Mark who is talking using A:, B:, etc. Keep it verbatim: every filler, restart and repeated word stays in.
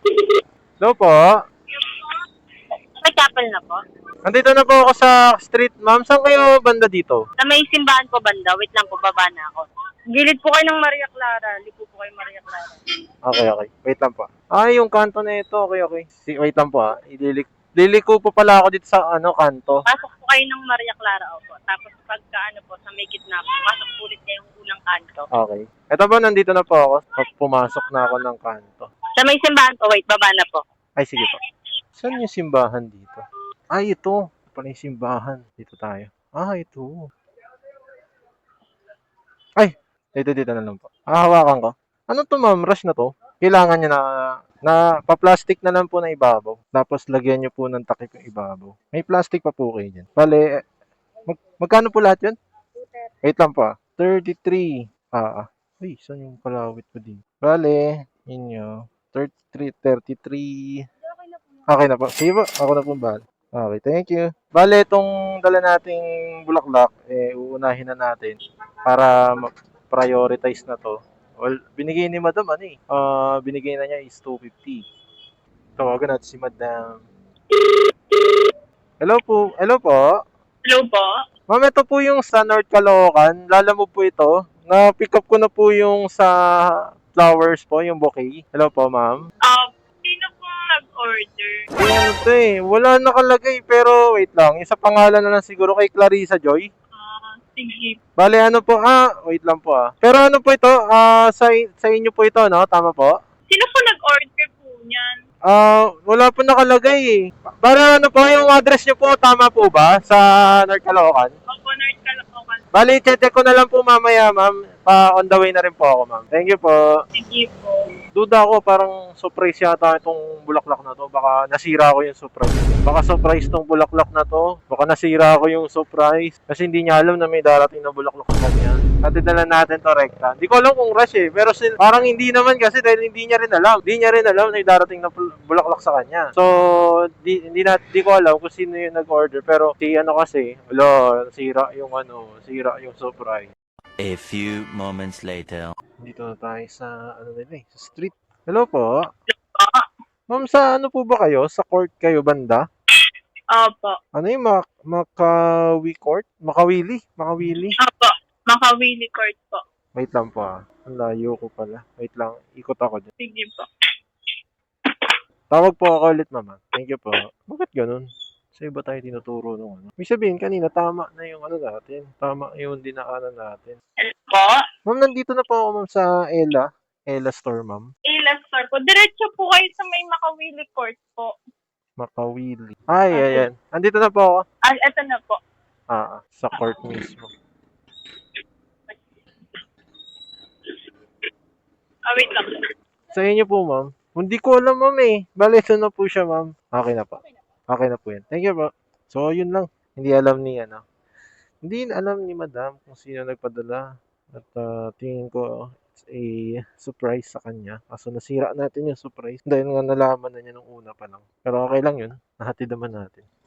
A: Hello po.
B: May chapel na po.
A: Nandito na po ako sa street, ma'am. Saan kayo banda dito?
B: Sa may simbahan po banda. Wait lang po, baba na ako. Gilid po kayo ng Maria Clara. Lipo po kayo Maria Clara.
A: Okay, okay. Wait lang po. Ah, yung kanto na ito. Okay, okay. Si, wait lang po ah. Ililik Liliko po pala ako dito sa ano kanto.
B: Pasok po kayo ng Maria Clara, opo. Tapos pagka ano po, sa may gitna po, pasok po ulit kayo yung unang kanto.
A: Okay. Ito po, nandito na po ako. Pumasok na ako ng kanto.
B: Sa may simbahan po, wait, baba na po.
A: Ay, sige po. Saan yung simbahan dito? Ay, ito. Ito pala yung simbahan. Dito tayo. Ah, ito. Ay, dito, dito na lang po. Ah, hawakan ko. Ano to, ma'am? Rush na to? Kailangan nyo na, na pa-plastic na lang po na ibabaw. Tapos, lagyan nyo po ng takip yung ibabaw. May plastic pa po kayo dyan. Bale, mag, magkano po lahat yun? Wait lang po ah. thirty-three. Ah, ah. Uy, saan yung kalawit ko din? Bale, inyo. thirty-three, thirty-three. Okay na po. Sige po, ako na po bala. Okay, thank you. Bale, itong dala nating bulaklak, eh, uunahin na natin para ma-prioritize na to. Well, binigay ni Madam ano eh. Ah, binigay na niya is two fifty. Tawagan natin si Madam. Hello po. Hello po.
B: Hello po?
A: Ma'am, ito po yung sa North Caloocan. Lala mo po ito. Na-pick up ko na po yung sa flowers po, yung bouquet. Hello po, ma'am.
B: Um, sino po nag-order?
A: Eh, ano to eh. Wala nakalagay pero wait lang. Yung sa pangalan na lang siguro kay Clarissa Joy.
B: Ah, sige.
A: Bale, ano po? Ah, wait lang po ah. Pero ano po ito? Ah, sa, sa inyo po ito, no? Tama po?
B: Sino po nag-order po niyan?
A: Ah, wala po nakalagay eh. Para ano po, yung address nyo po, tama po ba? Sa North Caloocan?
B: Opo, North Caloocan.
A: Bali, check ko na lang po mamaya, ma'am. Pa on the way na rin po ako, ma'am. Thank you po.
B: Sige po.
A: Duda ako, parang surprise yata itong bulaklak na to. Baka nasira ko yung surprise. Baka surprise tong bulaklak na to. Baka nasira ko yung surprise. Kasi hindi niya alam na may darating na bulaklak sa kanya. Natin na lang natin to rekta. Hindi ko alam kung rush eh. Pero still, parang hindi naman kasi dahil hindi niya rin alam. Hindi niya rin alam na may darating na bul- bulaklak sa kanya. So, di, hindi, na, di ko alam kung sino yung nag-order. Pero si ano kasi, wala, sira yung ano, sira yung surprise.
C: A few moments later.
A: Dito na tayo sa, ano nila eh, sa street. Hello po. Ma'am, sa ano po ba kayo? Sa court kayo banda?
B: Opo.
A: Ano yung Mac Makawi Court? Makawili? Makawili?
B: Opo. Makawili Court po.
A: Wait lang po ah. Ang layo ko pala. Wait lang. Ikot ako dyan.
B: Sige po.
A: Tawag po ako ulit, mama. Thank you po. Bakit ganun? Sa iba tayo tinuturo nung ano. May sabihin, kanina tama na yung ano natin. Tama yung dinaanan natin.
B: Hello po?
A: Ma'am, nandito na po ako, ma'am, sa Ella. Ella Store, ma'am.
B: Ila Store po. Diretso po kayo sa may Makawili Court po.
A: Makawili. Ay, ayan. Nandito na po ako.
B: Ah, eto na po.
A: Ah, sa court mismo.
B: Ah, wait lang.
A: Sa inyo po, ma'am. Hindi ko alam, ma'am eh. Bale, ito na po siya, ma'am. Okay na po. Okay na po yan. Thank you po. So, yun lang. Hindi alam ni, ano. Hindi alam ni madam kung sino nagpadala. At ah, tingin ko, it's a surprise sa kanya. Kaso nasira natin yung surprise. Dahil nga nalaman na niya nung una pa lang. Pero okay lang yun. Nahatid naman natin.